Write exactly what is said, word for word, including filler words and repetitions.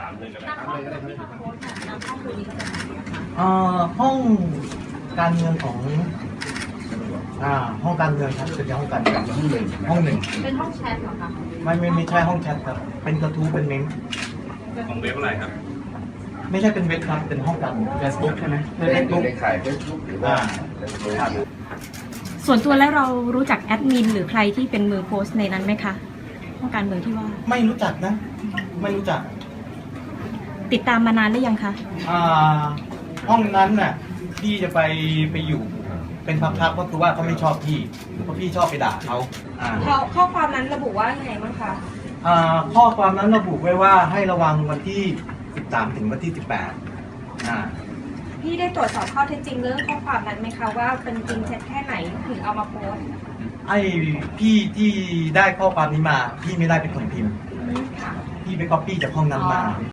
ามเลยก็ได้นำข้อมูลที่มาโพสต์นำข้อมูลนี้มาจากไหนอะคะเอ่อห้องการเงินของอ่าห้องการเงินครับเป็นห้องการเงินห้องหนึ่งห้องหนึ่งเป็นห้องแชทเหรอคะไม่ไม่ไม่ใช่ห้องแชทครับเป็นกระทู้เป็นเมมของเว็บอะไรครับไม่ใช่เป็นเว็บครับเป็นห้องการเงิน Facebook ใช่ไหมเฟซบุ๊กในขายเฟซบุ๊กหรือว่าครับส่วนตัวแล้วเรารู้จักแอดมินหรือใครที่เป็นมือโพสต์ในนั้นไหมคะห้องการเมืองที่ว่าไม่รู้จักนะ ไม่รู้จักติดตามมานานหรือยังคะอ่าห้องนั้นน่ะพี่จะไปไปอยู่เป็นพักๆก็คือว่าเขาไม่ชอบพี่เพราะพี่ชอบไปด่าเขาอ่าเขาข้อความนั้นระบุว่าไงบ้างคะอ่าข้อความนั้นระบุไว้ว่าให้ระวังวันที่สิบสามถึงวันที่สิบแปดอ่าพี่ได้ตรวจสอบข้อเท็จจริงเรื่องข้อความนั้นไหมคะว่าเป็นจริงเท็จแค่ไหนถึงเอามาโพสต์ไอ้พี่ที่ได้ข้อความนี้มาพี่ไม่ได้เป็นคนพิมพ์ค่ะพี่ไปก๊อปปี้จากห้องนั้นมา